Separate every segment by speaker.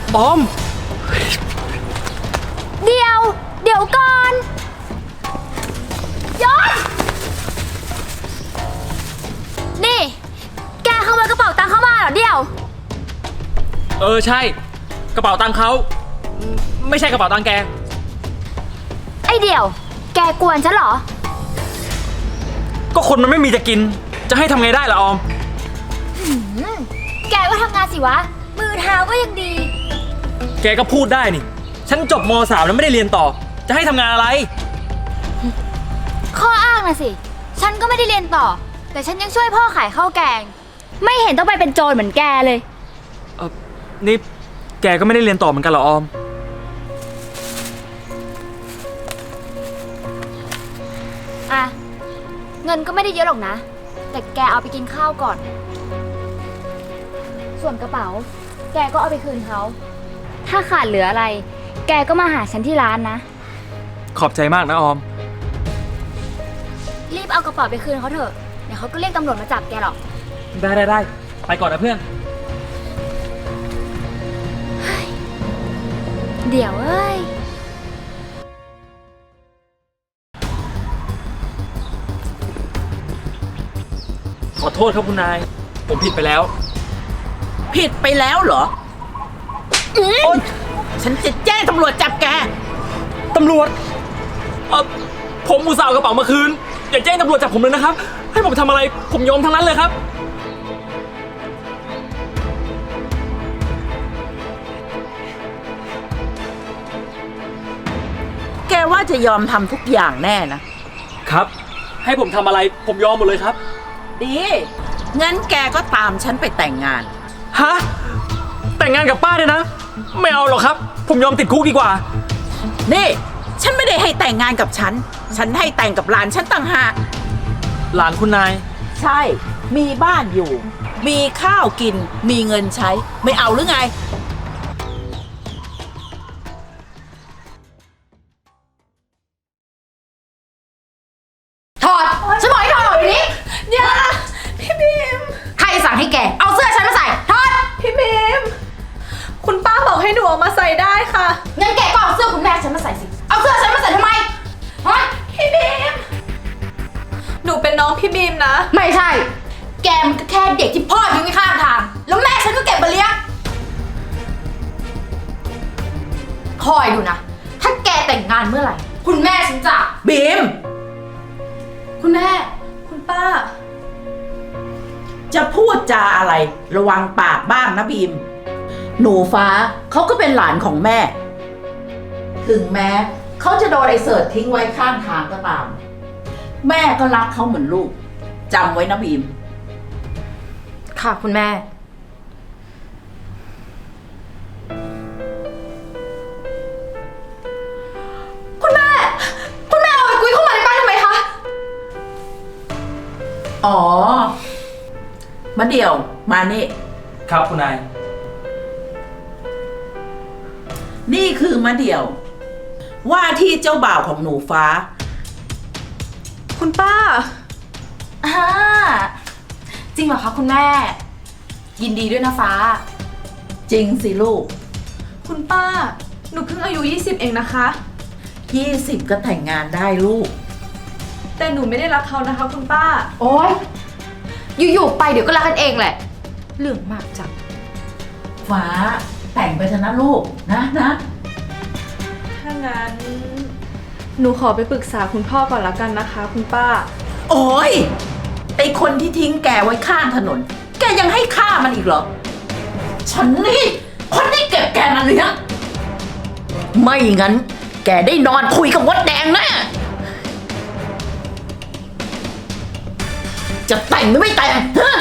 Speaker 1: ออม
Speaker 2: เดี๋ยวก่อนยศนี่แกขโมยกระเป๋าตังค์เข้ามาเหรอเดี๋ยว
Speaker 1: ใช่กระเป๋าตังค์เขาไม่ใช่กระเป๋าตังค์แก
Speaker 2: ไอเดี๋ยวแกกวนฉันเหรอ
Speaker 1: ก็คนมันไม่มีจะกินจะให้ทำไงได้ล่ะออม
Speaker 2: แกก็ทำงานสิวะมือเท้าก็ยังดี
Speaker 1: แกก็พูดได้นี่ฉันจบม.3แล้วไม่ได้เรียนต่อจะให้ทำงานอะไร
Speaker 2: ข้ออ้างนะสิฉันก็ไม่ได้เรียนต่อแต่ฉันยังช่วยพ่อขายข้าวแกงไม่เห็นต้องไปเป็นโจรเหมือนแกเลย
Speaker 1: นี่แกก็ไม่ได้เรียนต่อเหมือนกันเหรอออม
Speaker 2: อ่ะเงินก็ไม่ได้เยอะหรอกนะแต่แกเอาไปกินข้าวก่อนส่วนกระเป๋าแกก็เอาไปคืนเขาถ้าขาดเหลืออะไรแกก็มาหาฉันที่ร้านนะ
Speaker 1: ขอบใจมากนะออม
Speaker 2: รีบเอากระเป๋าไปคืนเขาเถอะเดี๋ยวเขาก็เรียกตำรวจมาจับแกหรอก
Speaker 1: ได้ไปก่อนนะเพื่อน
Speaker 2: เดี๋ยวเอ้ย
Speaker 1: ขอโทษครับคุณนายผมผิดไปแล้ว
Speaker 3: ผิดไปแล้วเหรอฉันจะแจ้งตำรวจจับแก
Speaker 1: ตำรวจผมอุตส่าห์เอากระเป๋ามาคืนอย่าแจ้งตำรวจจับผมเลยนะครับให้ผมทำอะไรผมยอมทั้งนั้นเลยครับ
Speaker 3: แกว่าจะยอมทำทุกอย่างแน่นะครับ
Speaker 1: ให้ผมทำอะไรผมยอมหมดเลยครับ
Speaker 3: ดีงั้นแกก็ตามฉันไปแต่งงาน
Speaker 1: ฮะแต่งงานกับป้าเนี่ยนะไม่เอาหรอกครับผมยอมติดคุกดีกว่า
Speaker 3: นี่ฉันไม่ได้ให้แต่งงานกับฉันให้แต่งกับหลานฉันต่างหาก
Speaker 1: หลานคุณนาย
Speaker 3: ใช่มีบ้านอยู่มีข้าวกินมีเงินใช้ไม่เอาหรือไง
Speaker 2: ถอดฉันบอกให้ถอดอยู่นี้อย่าพี่บีมใครสั่งให้แกเอาเสื้อฉันมาใส่ถอด
Speaker 4: พี่บีมคุณป้าบอกให้หนูเอามาใส่ได้ค่ะ
Speaker 2: งั้นแกก็เอาเสื้อคุณแม่ฉันมาใส่สิเอาเสื้อฉันมาใส่ทำไมฮะ
Speaker 4: พี่บีมหนูเป็นน้องพี่บีมนะ
Speaker 2: ไม่ใช่แกมันก็แค่เด็กที่พ่อทิ้งไว้ข้างทางแล้วแม่ฉันก็เก็บมาเลี้ยงคอยดูนะถ้าแกแต่งงานเมื่อไหร่คุณแม่ฉันจะ
Speaker 3: บีม
Speaker 2: คุณแม่
Speaker 4: คุณป้า
Speaker 3: จะพูดจาอะไรระวังปากบ้างนะบีมหนูฟ้าเขาก็เป็นหลานของแม่ถึงแม้เขาจะโดนไอ้เสิร์ชทิ้งไว้ข้างทางก็ตามแม่ก็รักเขาเหมือนลูกจำไว้นะบีม
Speaker 2: ค่ะคุณแม่คุณแม่เอาไอ้กุ้ยเข้ามาในบ้านทำไมคะ
Speaker 3: อ๋อมาเดี่ยวมานี่
Speaker 1: ครับคุณนาย
Speaker 3: นี่คือมะเดี่ยวว่าที่เจ้าบ่าวของหนูฟ้า
Speaker 4: คุณป้า
Speaker 2: จริงเหรอคะคุณแม่ยินดีด้วยนะฟ้า
Speaker 3: จริงสิลูก
Speaker 4: คุณป้าหนูเพิ่งอายุ20เองนะคะ
Speaker 3: 20ก็แต่งงานได้ลูก
Speaker 4: แต่หนูไม่ได้รักเขานะคะคุณป้า
Speaker 2: โอ๊ยอยู่ๆไปเดี๋ยวก็รักกันเองแหละเรื่องมากจัง
Speaker 3: ฟ้าแต่งไปเถอะนะลูกนะ
Speaker 4: ถ้างั้นหนูขอไปปรึกษาคุณพ่อก่อนละกันนะคะคุณป้า
Speaker 3: โอ๊ยไอคนที่ทิ้งแกไว้ข้างถนนแกยังให้ฆ่ามันอีกเหรอฉันนี่คนที่เก็บแกมาเลี้ยงไม่งั้นแกได้นอนคุยกับมดแดงแน่จะแต่งหรือไม่แต่งฮะ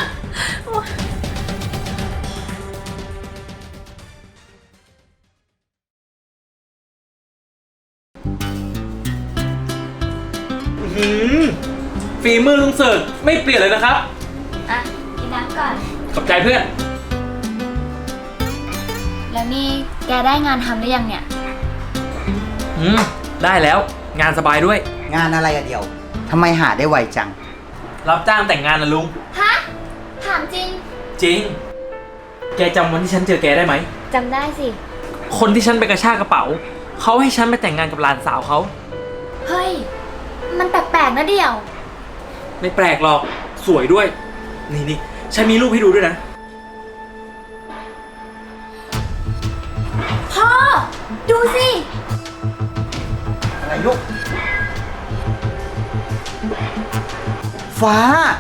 Speaker 1: ฝีมือลุงเสิร์ชไม่เปลี่ยนเลยนะครับ
Speaker 2: อ่ะกินน้ำก่อน
Speaker 1: ขอบใจเพื่อน
Speaker 2: แล้วนี่แกได้งานทำหรือยังเนี่ย
Speaker 1: ได้แล้วงานสบายด้วย
Speaker 5: งานอะไรอะเดียวทำไมหาได้ไวจัง
Speaker 1: รับจ้างแต่งงานนะลุง
Speaker 2: ฮะถามจริง
Speaker 1: จริงแกจำวันที่ฉันเจอแกได้ไหม
Speaker 2: จำได้สิ
Speaker 1: คนที่ฉันไปกระชากกระเป๋าเขาให้ฉันไปแต่งงานกับหลานสาวเขา
Speaker 6: เฮ้ย มันแปลกๆนะเดี่ยว
Speaker 1: ไม่แปลกหรอกสวยด้วย นี่ฉันมีรูปให้ดูด้วยนะ
Speaker 6: พ่อ ดูสิ
Speaker 5: อะไรลูก ฟ้า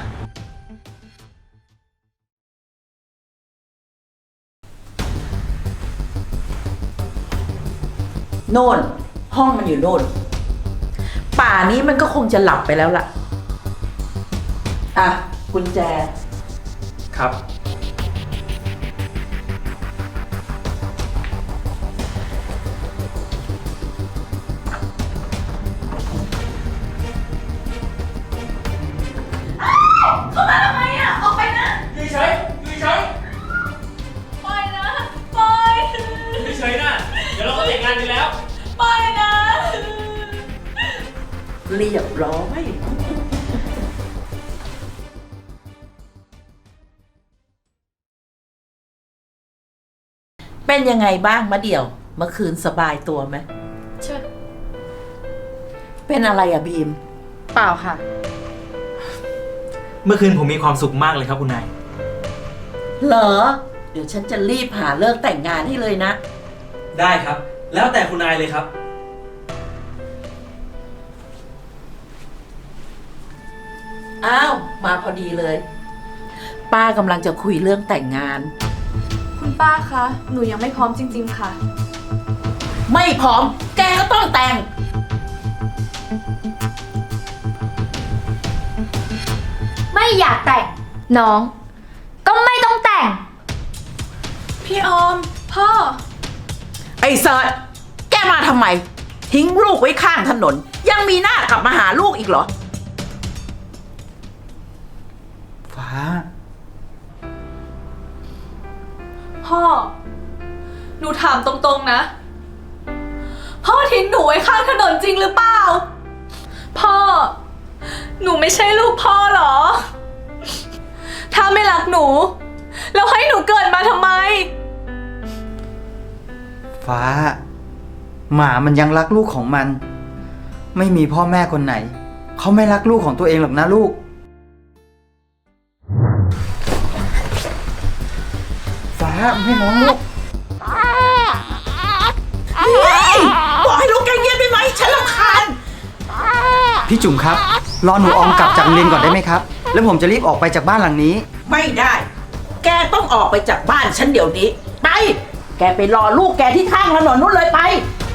Speaker 3: โน่น ห้องมันอยู่โน่น ป่านี้มันก็คงจะหลับไปแล้วล่ะ อ่ะ กุญแจ
Speaker 1: ครับ อยู่เฉยอยู่เฉย
Speaker 4: ปล่อยนะ ปล่อย
Speaker 1: อยู่เฉยนะ เดี๋ยวเราก็แต่งงานกันแล้ว
Speaker 4: ปล่อยนะ
Speaker 3: เรียบร้อย เป็นยังไงบ้างมะเดี่ยว เมื่อคืนสบายตัวไหม
Speaker 4: เชิญ
Speaker 3: เป็นอะไรอะบีม
Speaker 4: เปล่าค่ะ
Speaker 1: เมื่อคืนผมมีความสุขมากเลยครับคุณนาย
Speaker 3: เหรอ เดี๋ยวฉันจะรีบหาเลิกแต่งงานให้เลยนะ
Speaker 1: ได้ครับ แล้วแต่คุณนายเลยครับ
Speaker 3: อ้าว มาพอดีเลย ป้ากำลังจะคุยเรื่องแต่งงาน
Speaker 4: คุณป้าคะ หนูยังไม่พร้อมจริงๆค่ะ
Speaker 3: ไม่พร้อม แกก็ต้องแต่ง
Speaker 6: ไม่อยากแต่ง น้อง ก็ไม่ต้องแต่ง
Speaker 4: พี่ออม พ่อ
Speaker 3: ไอ้เซิร์ชแกมาทำไม ทิ้งลูกไว้ข้างถนน ยังมีหน้ากลับมาหาลูกอีกเหรอ
Speaker 5: ฟ้า
Speaker 4: พ่อ หนูถามตรงๆนะ พ่อทิ้งหนูไว้ข้างถนนจริงหรือเปล่า พ่อ หนูไม่ใช่ลูกพ่อเหรอ ถ้าไม่รักหนู แล้วให้หนูเกิดมาทำไม
Speaker 5: ฟ้า หมามันยังรักลูกของมัน ไม่มีพ่อแม่คนไหน เขาไม่รักลูกของตัวเองหรอกนะลูก ฟ้าให้น้องลูก
Speaker 3: บอกให้ลูกแกเงียบได้ไหม ฉันรำคาญ
Speaker 5: พี่จุ๋มครับ รอหนูออมกลับจากโรงเรียนก่อนได้ไหมครับ แล้วผมจะรีบออกไปจากบ้านหลังนี้
Speaker 3: ไม่ได้ แกต้องออกไปจากบ้านฉันเดี๋ยวนี้ ไป แกไปรอลูกแกที่ข้างถนนนู้นเลยไป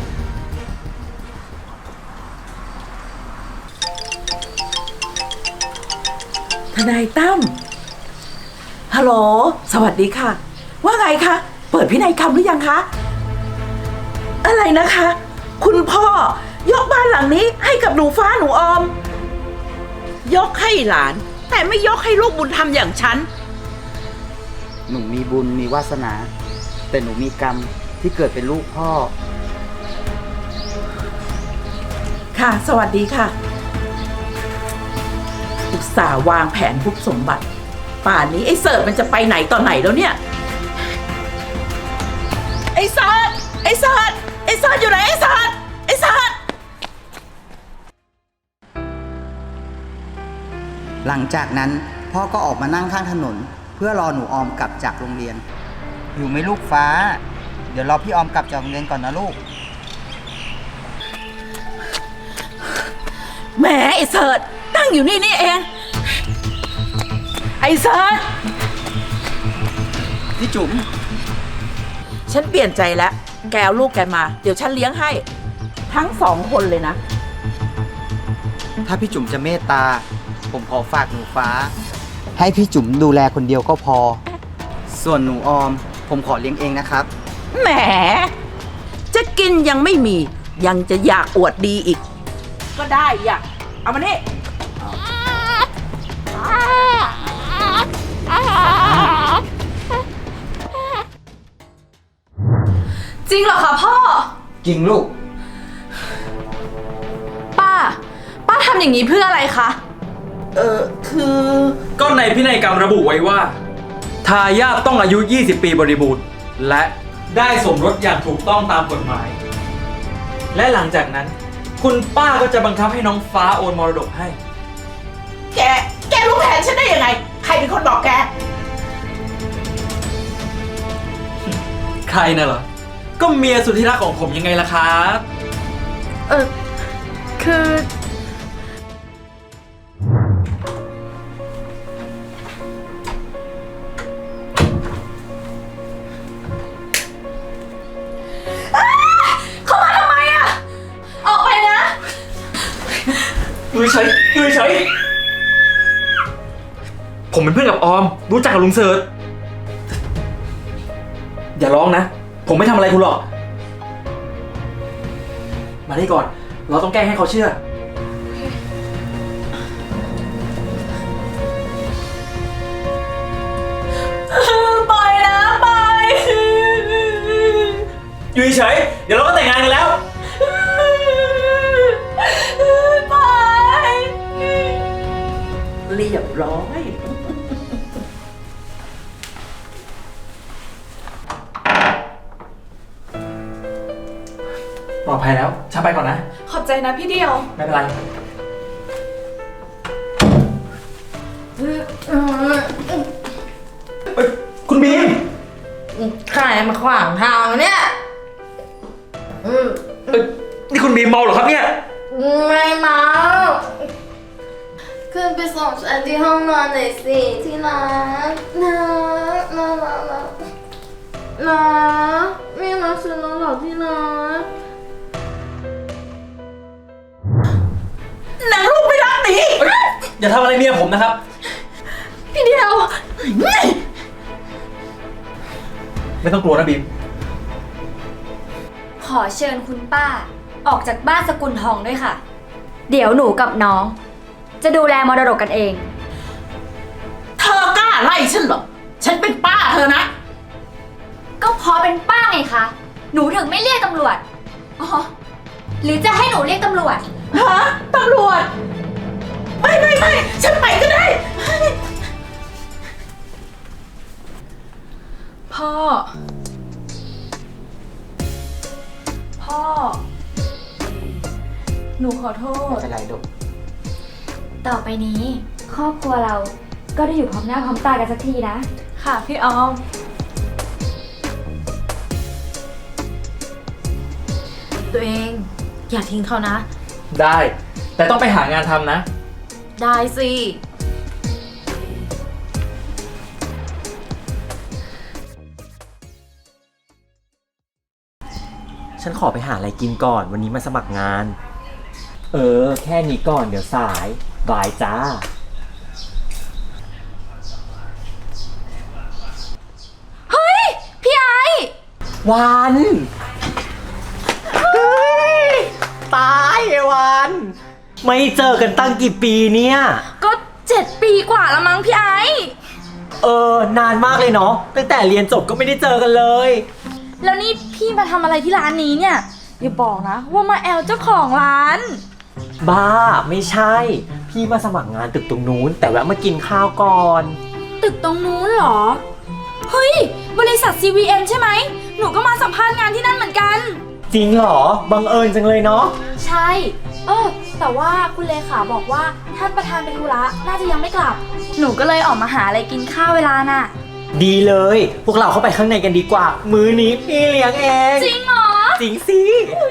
Speaker 3: ทนายตั้ม ฮัลโหล สวัสดีค่ะ ว่าไงคะ เปิดพินัยกรรมหรือยังคะ อะไรนะคะ คุณพ่อยกบ้านหลังนี้ให้กับหนูฟ้าหนูออม ยกให้หลาน แต่ไม่ยกให้ลูกบุญธรรมอย่างฉัน
Speaker 5: หนูมีบุญมีวาสนา แต่หนูมีกรรมที่เกิดเป็นลูกพ่อ
Speaker 3: ค่ะ สวัสดีค่ะ อุตส่าห์วางแผนทุบสมบัติ ป่านนี้ไอ้เสิร์ฟมันจะไปไหนตอนไหนแล้วเนี่ย ไอ้เสิร์ฟไอ้เสิร์ฟไอ้เสิร์ฟอยู่ไหนไอ้เสิร์ฟไอ้เสิร์ฟ
Speaker 5: หลังจากนั้นพ่อก็ออกมานั่งข้างถนน เพื่อรอหนูออมกลับจากโรงเรียน อยู่ไหมลูกฟ้า เดี๋ยวรอพี่ออมกลับจากโรงเรียนก่อนนะลูก
Speaker 3: แหมไอ้เสิร์ฟตั้งอยู่นี่นี่เอง ไอ้เสิร์ฟ
Speaker 5: พี่จุ๋ม
Speaker 3: ฉันเปลี่ยนใจแล้ว แกเอาลูกแกมา เดี๋ยวฉันเลี้ยงให้ ทั้งสองคนเลยนะ
Speaker 5: ถ้าพี่จุ๋มจะเมตตา ผมขอฝากหนูฟ้า ให้พี่จุ๋มดูแลคนเดียวก็พอ ส่วนหนูออม ผมขอเลี้ยงเองนะครับ
Speaker 3: แหม จะกินยังไม่มี ยังจะอยากอวดดีอีก ก็ได้อยากเอามานี่
Speaker 4: จริงเหรอคะพ่อ
Speaker 5: จริงลูก
Speaker 4: ป้าทำอย่างนี้เพื่ออะไรคะ
Speaker 3: คือ
Speaker 1: ก็ในพินัยกรรมระบุไว้ว่า ทายาทต้องอายุ 20 ปีบริบูรณ์ และได้สมรสอย่างถูกต้องตามกฎหมาย และหลังจากนั้น คุณป้าก็จะบังคับให้น้องฟ้าโอนมรดกให้
Speaker 3: แกรู้แผนฉันได้ยังไง ใครเป็นคนบอกแก
Speaker 1: ใครน่ะเหรอ ก็เมียสุดที่รักของผมยังไงล่ะครับ
Speaker 4: คือ เข้ามาทำไมอะออกไปนะ
Speaker 1: อยู่เฉยอยู่เฉยผมเป็นเพื่อนกับออม รู้จักกับลุงเสิร์ชอย่าร้องนะ ผมไม่ทำอะไรคุณหรอก มาได้ก่อน เราต้องแกล้งให้เขาเชื่อ
Speaker 4: ปล่อยนะปล่อย
Speaker 1: อยู่เฉยเดี๋ยวเราก็แต่งงานกันแล้ว
Speaker 4: ปล่อย
Speaker 3: เรียบร้อย
Speaker 1: ปลอดภัยแล้วฉันไปก่อนนะ
Speaker 4: ขอบใจนะพี่เดียว
Speaker 1: ไม่เป็นไร เฮ้ย คุณบีม
Speaker 2: ใครมาขวางทางเนี่ย
Speaker 1: เอ้ยนี่คุณบีมเมาเหรอครับเนี่ย
Speaker 6: ไม่เมาขึ้นไปส่งฉันที่ห้องนอนหน่อยสิที่รักนะไม่รักฉันแล้วหรอที่รัก
Speaker 3: นางลูกไม่รักหนี
Speaker 1: เอ้ยอย่าทำอะไรเมียผมนะครับ
Speaker 4: พี่เดียว
Speaker 1: ไม่ต้องกลัวนะบีม
Speaker 6: ขอเชิญคุณป้าออกจากบ้านสกุลทองด้วยค่ะ เดี๋ยวหนูกับน้อง จะดูแลมรดกกันเอง
Speaker 3: เธอกล้าไล่ฉันเหรอ ฉันเป็นป้าเธอนะ
Speaker 6: ก็เพราะเป็นป้าไงคะ หนูถึงไม่เรียกตำรวจ อ๋อ หรือจะให้หนูเรียกตำรวจ
Speaker 3: ฮะ ตำรวจ ไม่ฉันไปก็ได้
Speaker 4: พ่อ พ่อ หนูขอโทษ
Speaker 5: ไม่เป็นไรลูก
Speaker 6: ต่อไปนี้ ครอบครัวเราก็ได้อยู่พร้อมหน้าพร้อมตากันสักทีนะ
Speaker 4: ค่ะพี่ออม
Speaker 2: ตัวเอง อย่าทิ้งเขานะ
Speaker 1: ได้ แต่ต้องไปหางานทำนะ
Speaker 2: ได้สิ
Speaker 7: ฉันขอไปหาอะไรกินก่อนวันนี้มาสมัครงาน แค่นี้ก่อนเดี๋ยวสาย บายจ้า
Speaker 6: พี่ไอ
Speaker 7: วัน ตายไอ้วัน ไม่เจอกันตั้งกี่ปีเนี่ย
Speaker 6: ก็7 ปีกว่าแล้วมั้งพี่ไอน
Speaker 7: านมากเลยเนาะ ตั้งแต่เรียนจบก็ไม่ได้เจอกันเลย
Speaker 6: แล้วนี่พี่มาทำอะไรที่ร้านนี้เนี่ย อย่าบอกนะ ว่ามาแอลเจ้าของร้าน
Speaker 7: บ้า ไม่ใช่ พี่มาสมัครงานตึกตรงนู้น แต่แวะมากินข้าวก่อน
Speaker 6: ตึกตรงนู้นเหรอ เฮ้ย บริษัท CVM ใช่ไหม หนูก็มาสัมภาษณ์งานที่นั่นเหมือนกัน
Speaker 7: จริงเหรอ บังเอิญจังเลยเนาะ
Speaker 6: ใช่ แต่ว่าคุณเลขาบอกว่าท่านประธานเป็นธุระน่าจะยังไม่กลับ หนูก็เลยออกมาหาอะไรกินข้าวเวลาน่ะ
Speaker 7: ดีเลย พวกเราเข้าไปข้างในกันดีกว่า มื้อนี้พี่เลี้ยงเอง
Speaker 6: จริงเหรอ
Speaker 7: จริงสิ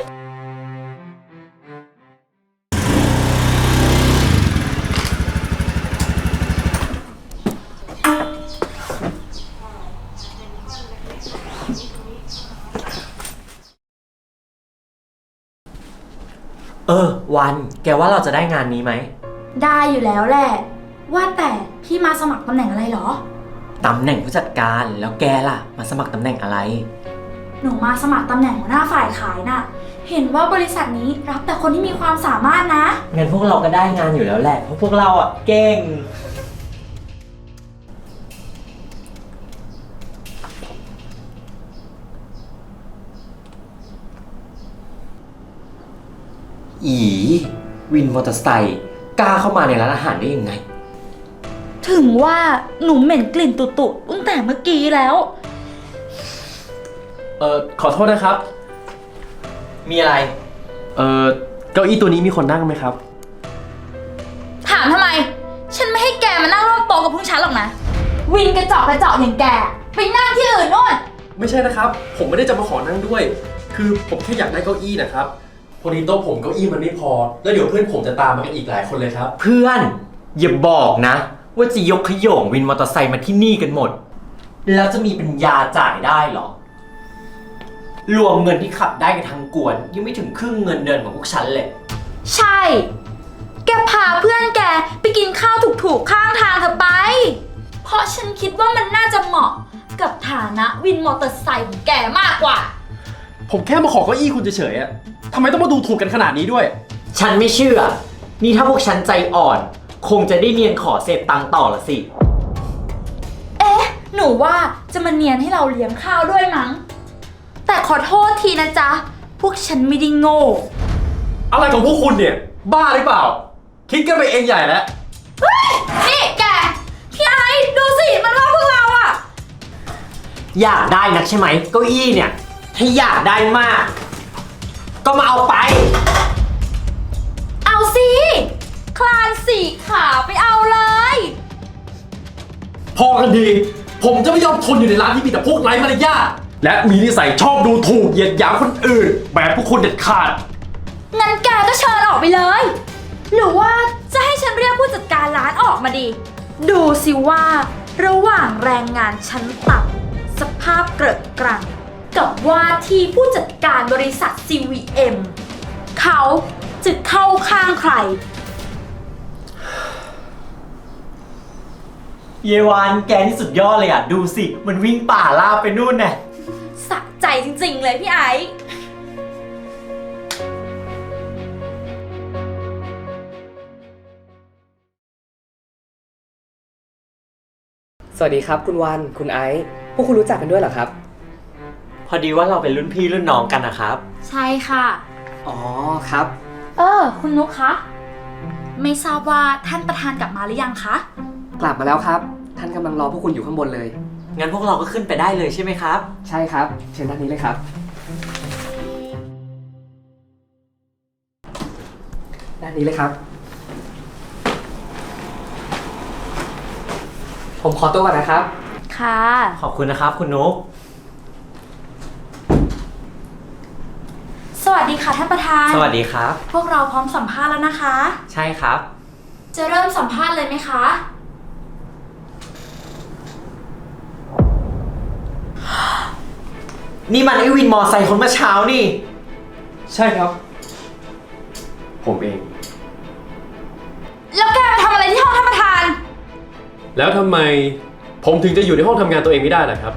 Speaker 7: วัน แกว่าเราจะได้งานนี้ไหม
Speaker 6: ได้อยู่แล้วแหละ ว่าแต่พี่มาสมัครตำแหน่งอะไรเหรอ
Speaker 7: ตำแหน่งผู้จัดการ แล้วแกล่ะ มาสมัครตำแหน่งอะไร
Speaker 6: หนูมาสมัครตำแหน่งหัวหน้าฝ่ายขายน่ะ เห็นว่าบริษัทนี้รับแต่คนที่มีความสามารถนะ
Speaker 7: งั้นพวกเราก็ได้งานอยู่แล้วแหละ เพราะพวกเราเก่ง วินมอเตอร์ไซค์กล้าเข้ามาในร้านอาหารได้ยังไง
Speaker 6: ถึงว่าหนูเหม็นกลิ่นตุ่ๆตั้งแต่เมื่อกี้แล้ว
Speaker 1: ขอโทษนะครับ
Speaker 7: มีอะไร
Speaker 1: เก้าอี้ตัวนี้มีคนนั่งไหมครับ
Speaker 6: ถามทำไม ฉันไม่ให้แกมานั่งร่วมโต๊ะกับพวกฉันหรอกนะ วินกระจอกอย่างแก ไปนั่งที่อื่นนู่น
Speaker 1: ไม่ใช่นะครับ ผมไม่ได้จะมาขอนั่งด้วย คือผมแค่อยากได้เก้าอี้นะครับ พอดีโต๊ะผมเก้าอี้มันไม่พอ แล้วเดี๋ยวเพื่อนผมจะตามมากันอีกหลายคนเลยครับ
Speaker 7: เพื่อน อย่าบอกนะ ว่าจะยกขโยงวินมอเตอร์ไซค์มาที่นี่กันหมด แล้วจะมีปัญญาจ่ายได้เหรอ รวมเงินที่ขับได้กันทั้งกวน ยังไม่ถึงครึ่งเงินเดือนของพวกฉันเลย
Speaker 6: ใช่ แกพาเพื่อนแกไปกินข้าวถูกๆข้างทางเถอะไป เพราะฉันคิดว่ามันน่าจะเหมาะกับฐานะวินมอเตอร์ไซค์ของแกมากกว่า
Speaker 1: ผมแค่มาขอเก้าอี้คุณเฉยๆอะทำไมต้องมาดูถูกกันขนาดนี้ด้วย
Speaker 7: ฉันไม่เชื่อ นี่ถ้าพวกฉันใจอ่อน คงจะได้เนียนขอเศษตังค์ต่อละสิ
Speaker 6: เอ๊ะ หนูว่าจะมาเนียนให้เราเลี้ยงข้าวด้วยมั้ง แต่ขอโทษทีนะจ๊ะ พวกฉันไม่ได้โง่
Speaker 1: อะไรของพวกคุณเนี่ย บ้าหรือเปล่า คิดกันไปเองใหญ่แล้ว
Speaker 6: นี่แก พี่ไอ้ดูสิ มันว่าพวกเราอะ
Speaker 7: อยากได้นักใช่ไหมเก้าอี้เนี่ย ถ้าอยากได้มาก ก็มาเอาไป
Speaker 6: เอาสิ คลานสี่ขาไปเอาเลย
Speaker 1: พอกันดี ผมจะไม่ยอมทนอยู่ในร้านที่มีแต่พวกไร้มารยาทและมีนิสัยชอบดูถูกเหยียดหยามคนอื่น แบบพวกคุณเด็ดขาด
Speaker 6: งั้นแกก็เชิญออกไปเลย หรือว่าจะให้ฉันเรียกผู้จัดการร้านออกมาดี ดูสิว่าระหว่างแรงงานชั้นต่ำสภาพเกรอะกรังกับว่าที่ผู้จัดการบริษัท CVM เขาจะเข้าข้างใคร
Speaker 7: เยวานแกนี่สุดยอดเลยอ่ะ ดูสิ มันวิ่งป่าลาบไปนู่นน่ะ
Speaker 6: สะใจจริงๆเลยพี่ไอ้
Speaker 8: สวัสดีครับคุณวันคุณไอซ์พวกคุณรู้จักกันด้วยเหรอครับ
Speaker 7: พอดีว่าเราเป็นรุ่นพี่รุ่นน้องกันนะครับ
Speaker 6: ใช่ค่ะ
Speaker 8: อ๋อครับ
Speaker 6: คุณนุ๊กคะ ไม่ทราบว่าท่านประธานกลับมาหรือยังคะ
Speaker 8: กลับมาแล้วครับ ท่านกำลังรอพวกคุณอยู่ข้างบนเลย
Speaker 7: งั้นพวกเราก็ขึ้นไปได้เลยใช่ไหมครับ
Speaker 8: ใช่ครับ เชิญด้านนี้เลยครับ ด้านนี้เลยครับ ผมขอตัวก่อนนะครับ
Speaker 6: ค่ะ
Speaker 7: ขอบคุณนะครับคุณนุ๊ก
Speaker 6: สวัสดีค่ะท่านประธาน
Speaker 7: สวัสดีครับ
Speaker 6: พวกเราพร้อมสัมภาษณ์แล้วนะคะ
Speaker 7: ใช่ครับ
Speaker 6: จะเริ่มสัมภาษณ์เลยไหมคะ
Speaker 7: นี่มันไอวินมอไซค์คนเมื่อเช้านี่
Speaker 1: ใช่ครับ ผมเอง
Speaker 6: แล้วแกมาทำอะไรที่ห้องท่านประธาน
Speaker 1: แล้วทำไมผมถึงจะอยู่ในห้องทำงานตัวเองไม่ได้ล่ะครับ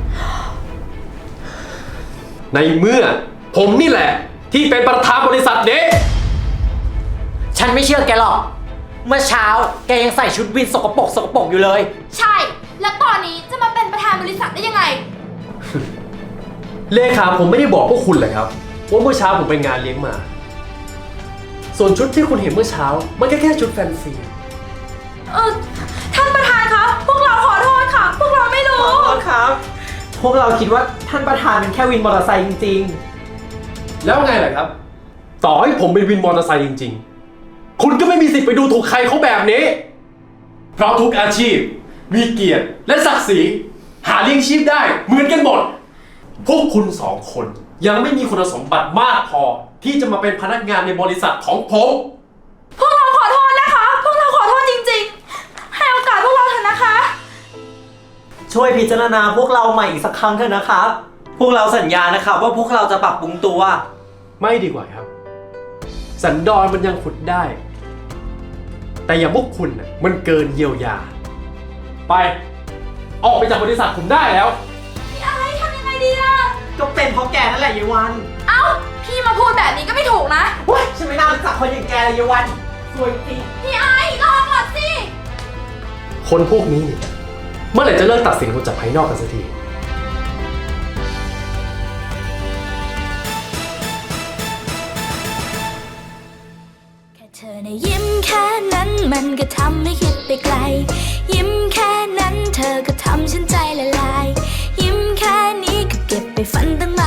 Speaker 1: ในเมื่อผมนี่แหละที่เป็นประธานบริษัทนี้
Speaker 7: ฉันไม่เชื่อแกหรอก เมื่อเช้าแกยังใส่ชุดวินสกปรกอยู่เลย
Speaker 6: ใช่ แล้วตอนนี้จะมาเป็นประธานบริษัทได้ยังไง
Speaker 1: เลขาผมไม่ได้บอกพวกคุณเลยครับว่าเมื่อเช้าผมไปงานเลี้ยงมา ส่วนชุดที่คุณเห็นเมื่อเช้ามันแค่ชุดแฟนซี
Speaker 6: ท่านประธานคะ พวกเราขอโทษค่ะ พวกเราไม่รู้
Speaker 7: ครับ พวกเราคิดว่าท่านประธานเป็นแค่วินมอเตอร์ไซค์จริง
Speaker 1: แล้วไงล่ะครับ ต่อให้ผมเป็นวินมอเตอร์ไซค์จริงๆ คุณก็ไม่มีสิทธิ์ไปดูถูกใครเขาแบบนี้ เพราะทุกอาชีพมีเกียรติและศักดิ์ศรีหาเลี้ยงชีพได้เหมือนกันหมด พวกคุณสองคนยังไม่มีคุณสมบัติมากพอที่จะมาเป็นพนักงานในบริษัทของผม
Speaker 6: พวกเราขอโทษนะคะ พวกเราขอโทษจริงๆ ให้โอกาสพวกเราเถอะนะคะ
Speaker 7: ๆ ช่วยพิจารณาพวกเราใหม่อีกสักครั้งเถอะนะครับ พวกเราสัญญานะครับว่าพวกเราจะปรับปรุงตัว
Speaker 1: ไม่ดีกว่าครับ สันดอนมันยังขุดได้ แต่อย่างพวกคุณน่ะมันเกินเยียวยา ไปออกไปจากบริษัทผมได้แล้ว
Speaker 6: พี่ไอ้ทำยังไงดีล่ะ
Speaker 7: ก็เป็นเพราะแกนั่นแหละเยวัน
Speaker 6: เอ้า พี่มาพูดแบบนี้ก็ไม่ถูกนะ
Speaker 7: ว้ยฉันไม่น่ารู้จักคนอย่างแกเลยเยวันสวยจริง
Speaker 6: พี่ไอ้รอก่อนสิ
Speaker 1: คนพวกนี้เนี่ยเมื่อไหร่จะเลิกตัดสินคนจากภายนอกกันสักที
Speaker 9: แค่เธอในะยิ้มแค่นั้นมันก็ทำให้คิดไปไกล ยิ้มแค่นั้นเธอก็ทำฉันใจละลาย ยิ้มแค่นี้ก็เก็บไปฝันตั้ง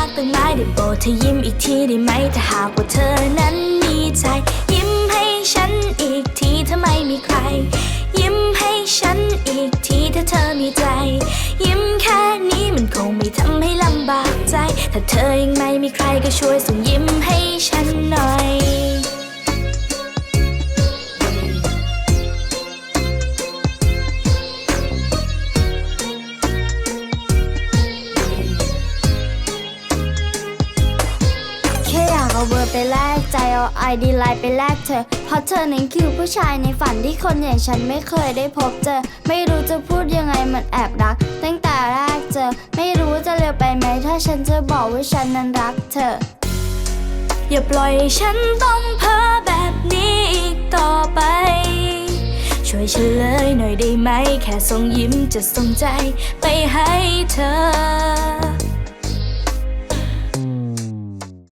Speaker 9: ธอยิ้มอีกทีได้ไหมถ้าหากว่าเธอนั้นมีใจ ยิ้มให้ฉันอีกทีถ้าไม่มีใคร ยิ้มให้ฉันอีกทีถ้าเธอมีใจ ยิ้มแค่นี้มันคงไม่ทำให้ลำบากใจ ถ้าเธอยังไม่มีใครก็ช่วยส่งยิ้มให้ฉันหน่อย แค่อยากเอาเบอร์ไปแลกใจเอาไอดีไลน์ไปแลกเธอเพราะเธอนั้นคือผู้ชายในฝันที่คนอย่างฉันไม่เคยได้พบเจอ ไม่รู้จะพูดยังไงมันแอบรัก ตั้งแต่แรกเจอ ไม่รู้จะเร็วไปไหมถ้าฉันจะบอกว่าฉันนั้นรักเธอ อย่าปล่อยให้ฉันต้องเพ้อแบบนี้อีกต่อไป ช่วยเฉลยหน่อยได้ไหมแค่ส่งยิ้มจะส่งใจไปให้เธอ